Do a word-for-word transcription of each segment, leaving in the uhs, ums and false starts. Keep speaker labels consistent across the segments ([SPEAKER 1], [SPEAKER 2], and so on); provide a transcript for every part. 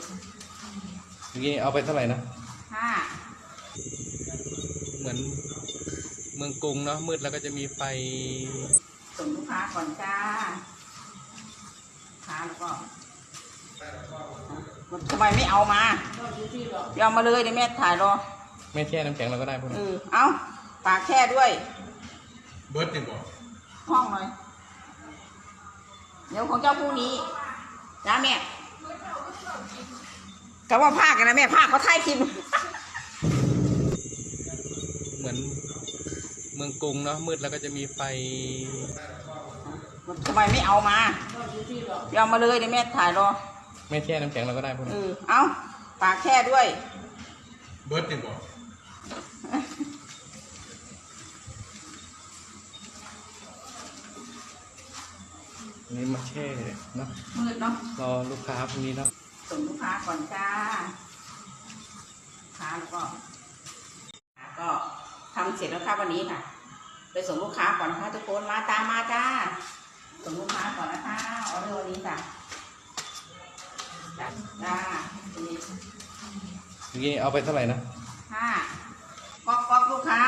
[SPEAKER 1] เมื่อกี้เอาไปเท่าไหร่นะ
[SPEAKER 2] ห้า
[SPEAKER 1] เหมือนเมืองกรุงเนาะมืดแล้วก็จะมีไฟ
[SPEAKER 2] ส่งลูกค้าก่อนจ้าค้าแล้วก็ทำไมไม่เอามาเดี๋ยวเอามาเลยเดี๋ยวแม่ถ่ายรอ
[SPEAKER 1] แม่แช่น้ำแข็งเราก็ได้พวกนี้
[SPEAKER 2] เออเอาปากแช่ด้วย
[SPEAKER 3] เบิร์ดเนี่ยบอก
[SPEAKER 2] ห้องหน่อยเดี๋ยวของเจ้าพรุ่งนี้จ้าแม่ก็ว่าภาคกันนะแม่ภาคเขาถ่ายคลิป
[SPEAKER 1] เหมือนเมืองกรุงเนาะมืดแล้วก็จะมีไฟ
[SPEAKER 2] ทำไมไม่เอามาเดี๋ยวเอามาเลยเดี๋ยวแม่ถ่ายรอ
[SPEAKER 1] แม่แช่น้ำแข็งเราก็ได้พวกนี้
[SPEAKER 2] เออเอาปากแช่ด้วย
[SPEAKER 3] เบิร์ดเนี่ยบอก
[SPEAKER 1] นี่มาแช่เนาะ
[SPEAKER 2] มืดเนาะ
[SPEAKER 1] รอลูกค้าพวกนี้เนาะ
[SPEAKER 2] ส่งลูกค้าก่อนจ้าค้าแล้วก็ก็ทำเสร็จแล้วค่ะวันนี้ค่ะไปส่งลูกค้าก่อนนะคะทุกคนมาตามมาจ้าส่งลูกค้าก่อนนะคะออเดอร์วันนี้จ้ะจ้าเ
[SPEAKER 1] มื่อกี้เอาไปเท่าไหร่นะ
[SPEAKER 2] ห้าก๊อกก๊อกลูกค้า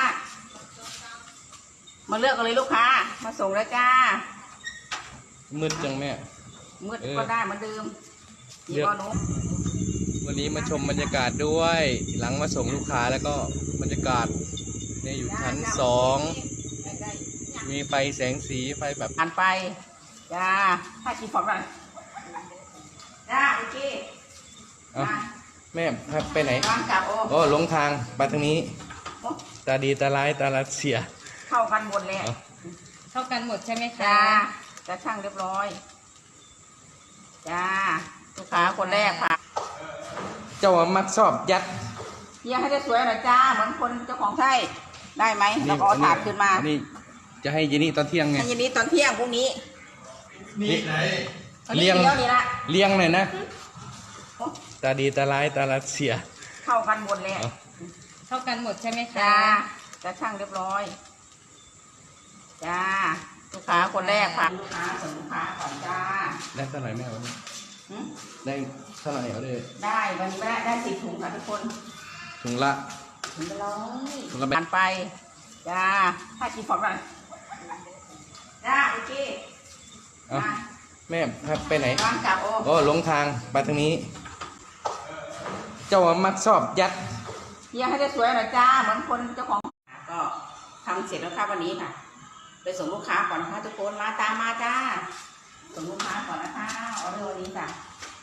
[SPEAKER 2] มาเลือกกันเลยลูกค้ามาส่งแล้วจ้า
[SPEAKER 1] มืดจังแม่
[SPEAKER 2] มืดก็ได้เหมือนเดิม
[SPEAKER 1] เลือกวันนี้มาชมบรรยากาศด้วยหลังมาส่งลูกค้าแล้วก็บรรยากาศเนี่ยอยู่ชั้นสองมีไฟแสงสีไฟแบบ
[SPEAKER 2] อ่านไปจ้าถ้าจีฟอกหน่อยจ้าโอเค
[SPEAKER 1] แม่ไปไหน
[SPEAKER 2] วางกลับโ
[SPEAKER 1] อ้หลงทางไปทางนี้ตาดีตาร้ายตาลัดเสีย
[SPEAKER 2] เข้ากันหมดเลย
[SPEAKER 4] เข้ากันหมดใช่ไหมคะ
[SPEAKER 2] จ้าจะช่างเรียบร้อยจ้าลูกค้าคนแรกค่ะ
[SPEAKER 1] เจ้ามักชอบยัด
[SPEAKER 2] เยี่ยให้ได้สวยหน่อยจ้าเหมือนคนเจ้าของไส้ได้ไหมแล้วก็เอาถาดขึ้นมา
[SPEAKER 1] นี่จะให้ยีนี่ตอนเที่ยงไง
[SPEAKER 2] ให้ยีนี่ตอนเที่ยงพรุ่งนี้
[SPEAKER 3] นี่ไหน
[SPEAKER 1] เลี้ยงเลี้ยงหน่อยนะตาดีตาร้ายตาลัดเสีย
[SPEAKER 2] เข้ากันหมดเลย
[SPEAKER 4] เข้ากันหมดใช่ไหมคะ
[SPEAKER 2] จ้าจะช่างเรียบร้อยจ้าลูกค้าคนแรกค่ะลูกค้าส่งลูกค้าก่อนจ้า
[SPEAKER 1] ได้เท่าไหร่แม่วันนี้ได้เท่าไหร่เอาเลย
[SPEAKER 2] ได้วันนี้ได้ได้สิบถุงค่ะทุกคน
[SPEAKER 1] ถุงละ
[SPEAKER 2] ถุงละร้อย
[SPEAKER 1] ถุงละแบ
[SPEAKER 2] นไปจ้าถ้าจีฟอกหน่อยจ้าโอเค
[SPEAKER 1] แม่ไปไหน
[SPEAKER 2] วางกลับ
[SPEAKER 1] โอ้หลงทางไปทางนี้เจ้ามักชอบยัด
[SPEAKER 2] เยี่ยให้ได้สวยหน่อยจ้าเหมือนคนเจ้าของก็ทำเสร็จแล้วค่ะวันนี้ค่ะไปส่งลูกค้าก่อนนะคะทุกคนมาตามมาจ้าส่งลูกค้าก่อนนะคะออเดอร์วันนี้จ้ะ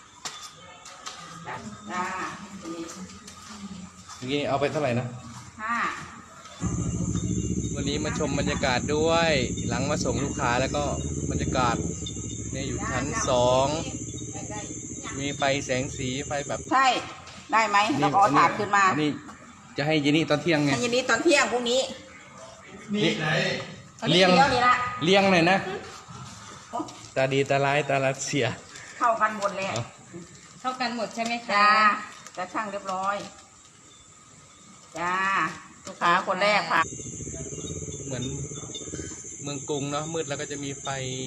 [SPEAKER 2] จ้า
[SPEAKER 1] เมื่อกี้เอาไปเท่าไหร่นะ
[SPEAKER 2] ห้า
[SPEAKER 1] วันนี้มาชมบรรยากาศด้วยหลังมาส่งลูกค้าแล้วก็บรรยากาศเนี่ยอยู่ชั้นสองมีไฟแสงสีไฟแบบ
[SPEAKER 2] ใช่ได้ไหมแล้วก็เอาถาดขึ้นมา
[SPEAKER 1] นี่จะให้ยีนี่ตอนเที่ยงไง
[SPEAKER 2] ให้ยีนี่ตอนเที่ยงพรุ่งนี้
[SPEAKER 3] นี่ไหน
[SPEAKER 1] เลี้ยงเลี้ยงหน่อยนะตาดีตาร้ายตาลัดเสีย
[SPEAKER 2] เข้ากันหมดเลย
[SPEAKER 4] เข้ากันหมดใช่ไหมคะ
[SPEAKER 2] จ้าจะช่างเรียบร้อยจ้าลูกค้าคนแรกค่ะ
[SPEAKER 1] เหมือนเมืองกรุงเนาะมืดแล้วก็จะมีไฟ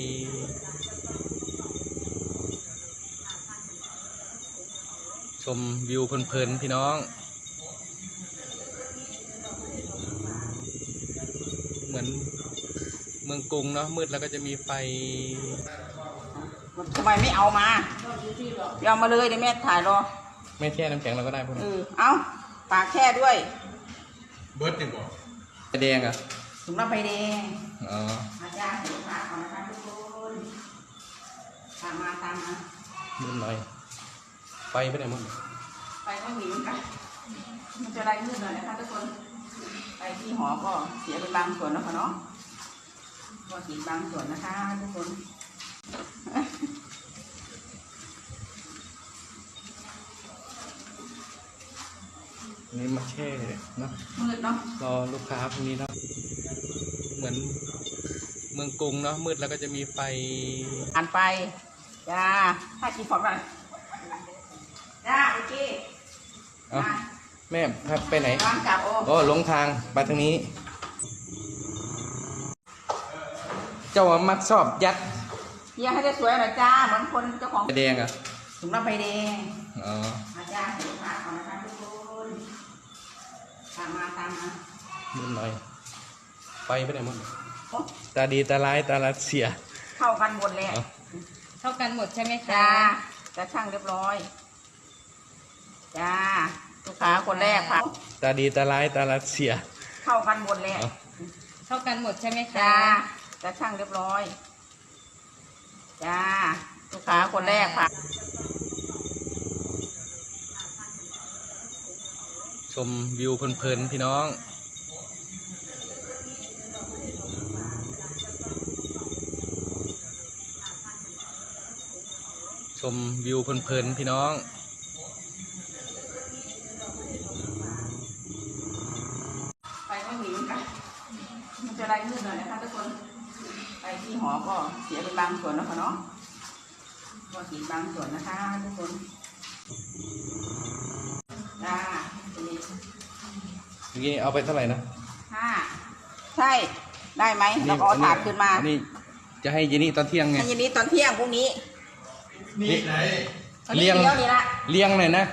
[SPEAKER 1] ชมวิวเพลินๆพี่น้องเหมือนเมืองกรุงเนาะมืดแล้วก็จะมีไฟ
[SPEAKER 2] ทำไมไม่เอามาเดี๋ยวเอามาเลยเดี๋ยวแม่ถ่ายรอ
[SPEAKER 1] แม่แช่น้ำแข็งเราก็ได้พวกนี้
[SPEAKER 2] เออเอาปากแช่ด้วย
[SPEAKER 3] เบิร์ดเนี่ยบอก
[SPEAKER 1] แดงอ่ะ
[SPEAKER 2] ถุงละใบแดง
[SPEAKER 1] อ๋อ
[SPEAKER 2] อาจารย์ลูกค้าก่อนนะคะทุกคนตามมาตามมา
[SPEAKER 1] มืดหน่อยไฟไปไหนมั้ง
[SPEAKER 2] ไปก็หิวกันมันจะไรมืดหน่อยนะคะทุกคนไปที่หอก็เสียเป็นบางส่วนนะคะเนาะก็สีบางส่วนนะคะทุกคน
[SPEAKER 1] นี่มาแช่เนาะ
[SPEAKER 2] มืดเนาะ
[SPEAKER 1] รอลูกค้าพวกนี้เนาะเหมือนเมืองกรุงเนาะมืดแล้วก็จะมีไฟ
[SPEAKER 2] อ่านไปจ้าถ้าจีฟอกหน่อยจ้าโอเค
[SPEAKER 1] แม่ไปไหน
[SPEAKER 2] วางกลับ
[SPEAKER 1] โอ้หลงทางไปทางนี้เจ้ามักชอบยัด
[SPEAKER 2] เยี่ยให้ได้สวยหน่อยจ้าเหมือนคนเจ้าของ
[SPEAKER 1] แดงอ่ะ
[SPEAKER 2] ถุงละใบแดง
[SPEAKER 1] อ๋อ
[SPEAKER 2] มาจ้าเห็นลูกค้าก่อนนะคะทุกคนตามมาตามมา
[SPEAKER 1] มืดหน่อยไปไปไหนหมด
[SPEAKER 2] โอ้
[SPEAKER 1] ตาดีตาร้ายตาลัดเสีย
[SPEAKER 2] เข้ากันหมดเลย
[SPEAKER 1] อ๋อ
[SPEAKER 4] เท่ากันหมดใช่ไหมคะ
[SPEAKER 2] จ้าจะช่างเรียบร้อยจ้าลูกค้าคนแรกค่ะ
[SPEAKER 1] ตาดีตาร้ายตาลัดเสีย
[SPEAKER 2] เข้ากันหมดเลย
[SPEAKER 1] อ๋อ
[SPEAKER 4] เท่ากันหมดใช่ไหมคะ
[SPEAKER 2] จ้าจะช่างเรียบร้อยจ้าลูกค้าคนแรกค่ะ
[SPEAKER 1] ชมวิวเพลินๆพี่น้อง ชมวิวเพลินๆพี่น้อง
[SPEAKER 2] ไปก็หนีกันมันจะไล่ลื่นหน่อยนะคะทุกคนไปที่หอก็เสียเป็นบางส่วนแล้วค่ะเนาะก็สีบางส่วนนะคะทุกคนจ้าทีนี้
[SPEAKER 1] เมื่อกี้เอาไปเท่าไหร่นะ
[SPEAKER 2] ห้าใช่ได้ไหมแล้วก็เอาถาดขึ้นมา
[SPEAKER 1] อันนี้จะให้เยนี่ตอนเที่ยงไง
[SPEAKER 2] ให้เย็นนี้ตอนเที่ยงพรุ่งนี้
[SPEAKER 3] นี่ไหน
[SPEAKER 2] อาเลี้ยงนี่ละ
[SPEAKER 1] เลี้ยงหน่อยนะ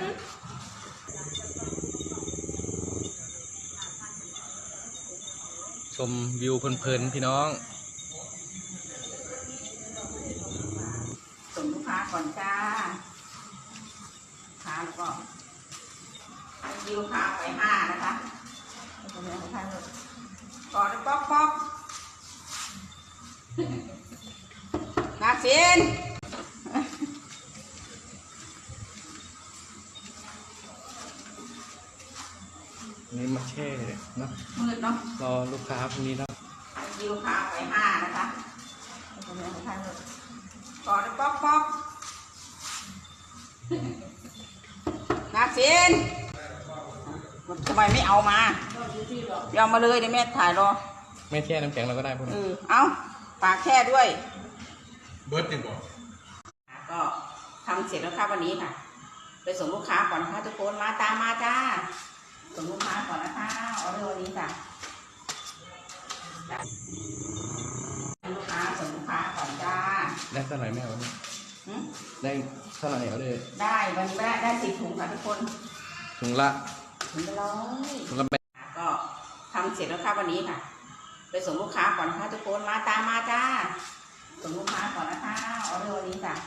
[SPEAKER 1] ชมวิวเพลินๆพี่น้อง
[SPEAKER 2] ส่งลูกค้าก่อนจ้าลูกค้าแล้วก็ให้ยิวค้าไปห้านะคะก่อนป๊อกป๊อกนักสิน
[SPEAKER 1] นี่มาแช่เนาะ
[SPEAKER 2] มืดเนาะ
[SPEAKER 1] รอลูกค้าพรุ่งนี้เนาะ
[SPEAKER 2] ให้ยิวค้าไปห้านะคะก่อนป๊อกป๊อกนักสินทำไมไม่เอามาเอามาเลยเดี๋ยวแม่ถ่ายรอ
[SPEAKER 1] ไม่แช่น้ำแข็งเราก็ได้พวก
[SPEAKER 2] เอ
[SPEAKER 1] นี้
[SPEAKER 2] อเอาปากแค่ด้วย
[SPEAKER 3] เบิร์ดยังบอก
[SPEAKER 2] ก็ทำเสร็จแล้วค่ะวันนี้ค่ะ ไปส่งลูกค้าก่อนนะคะทุกคนมาตามมาจ้าส่งลูกค้าก่อนนะคะออเดอร์วันนี้จ้ะจ้ะลูกค้าส่งลูกค้าก่อนจ้า
[SPEAKER 1] ได้เท่าไหร่แม่วันนี้
[SPEAKER 2] หึ
[SPEAKER 1] ได้เท่าไหร่เอาเลย
[SPEAKER 2] ได้วันนี้ได้ได้สิบถุงค่ะทุกคน
[SPEAKER 1] ถุงละ
[SPEAKER 2] ถุงละร้อย
[SPEAKER 1] ถุงละแปด
[SPEAKER 2] ก็ทำเสร็จแล้วค่ะวันนี้ค่ะ ไปส่งลูกค้าก่อนนะคะทุกคนมาตามมาจ้าส่งลูกค้าก่อนนะคะออเดอร์วันนี้จ้ะ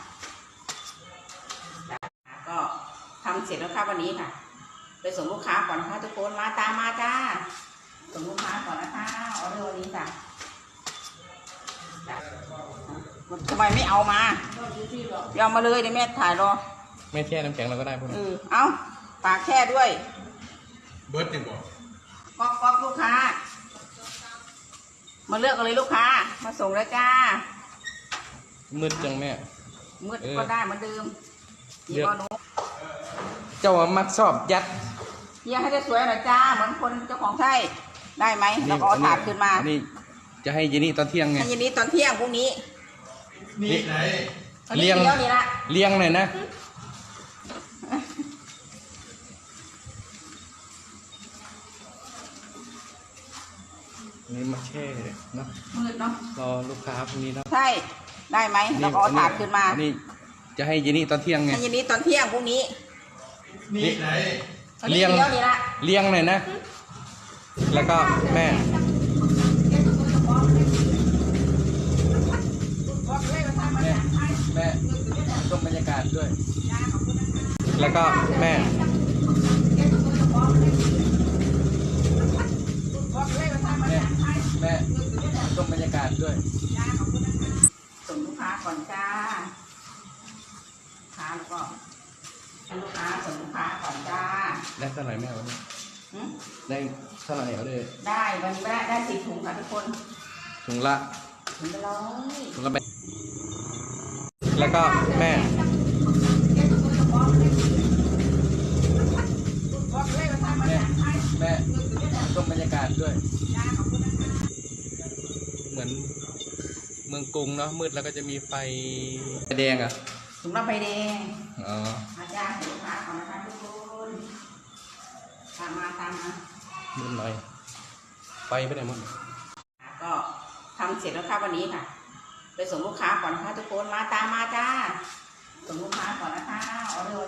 [SPEAKER 2] ก็ทำเสร็จแล้วค่ะวันนี้ค่ะ ไปส่งลูกค้าก่อนนะคะทุกคนมาตามมาจ้าส่งลูกค้าก่อนนะคะออเดอร์วันนี้จ้ะทำไมไม่เอามาเอามาเลยเดี๋ยวแม่ถ่ายรอ
[SPEAKER 1] ไม่แช่น้ำแข็งเราก็ได้พวก
[SPEAKER 2] เอ
[SPEAKER 1] นี้
[SPEAKER 2] อเอาปากแค่ด้วย
[SPEAKER 3] เบิร์ดยังบอก
[SPEAKER 2] ก๊อกก๊อกลูกค้า มาเลือกกันเลยลูกค้า มาส่งแล้วจ้า
[SPEAKER 1] มืดจังแม่
[SPEAKER 2] มืด
[SPEAKER 1] เออ
[SPEAKER 2] ก็ได้เหมือนเดิม
[SPEAKER 1] เลื
[SPEAKER 2] ยี่
[SPEAKER 1] อก
[SPEAKER 2] ห้อหนู
[SPEAKER 1] เจ้าว่ามักชอบยัด
[SPEAKER 2] เยี่ยให้ได้สวยหน่อยจ้า เหมือนคนเจ้าของไส้ได้ไหมแล้วก็เอาถาดขึ้นมา
[SPEAKER 1] อันนี้จะให้เยนี่ตอนเที่ยงไง
[SPEAKER 2] ให้เย็นนี้ตอนเที่ยงพรุ่งนี้
[SPEAKER 3] นี่ไหน
[SPEAKER 2] อา
[SPEAKER 1] เลี้ยง
[SPEAKER 2] เลี้ยงนี่ละ
[SPEAKER 1] เลี้ยงหน่อยนะ นี่มาแช่เนาะ
[SPEAKER 2] มืดเนาะ
[SPEAKER 1] รอลูกค้าพรุ่งนี้เนาะ
[SPEAKER 2] ใช่ ได้ไหมแล้วก็เอาถาดขึ้นมา
[SPEAKER 1] อันนี้จะให้เยนี่ตอนเที่ยงไง
[SPEAKER 2] ให้เย็นนี้ตอนเที่ยงพรุ่งนี้
[SPEAKER 3] นี่ไหน
[SPEAKER 2] อา
[SPEAKER 1] เลี้ยง
[SPEAKER 2] นี่ละ
[SPEAKER 1] เลี้ยงหน่อยนะ แล้วก็แม่ แม่ แม่ชมบรรยากาศด้วย แล้วก็แม่ แม่ แม่ชมบรรยากาศด้วย
[SPEAKER 2] ส่งลูกค้าก่อนจ้าลูกค้าแล้วก็ให้ลูกค้าส่งลูกค้าก่อนจ้า
[SPEAKER 1] ได้เท่าไหร่แม่วันนี้
[SPEAKER 2] หึ
[SPEAKER 1] ได้เท่าไหร่เอาเลย
[SPEAKER 2] ได้วันนี้ได้ได้สิบถุงค่ะทุกคน
[SPEAKER 1] ถุงละ
[SPEAKER 2] ถุงละร้อย
[SPEAKER 1] ถุงละแปดแล้วก็แม่ แม่ แม่ชมบรรยากาศด้วย เหมือนเมืองกรุงเนาะมืดแล้วก็จะมีไฟแดงอ่ะ
[SPEAKER 2] ถุงละใบแดง
[SPEAKER 1] อ๋อ
[SPEAKER 2] มาจ้าส่งลูกค้าก่อนนะคะทุกคนตามมาตามมา
[SPEAKER 1] มืดหน่อยไฟไปไหนหมด
[SPEAKER 2] ก็ทำเสร็จแล้วค่ะวันนี้ค่ะ ไปส่งลูกค้าก่อนนะคะทุกคนมาตามมาจ้าสส่งลูกค้าก่อนนะคะออเดอร์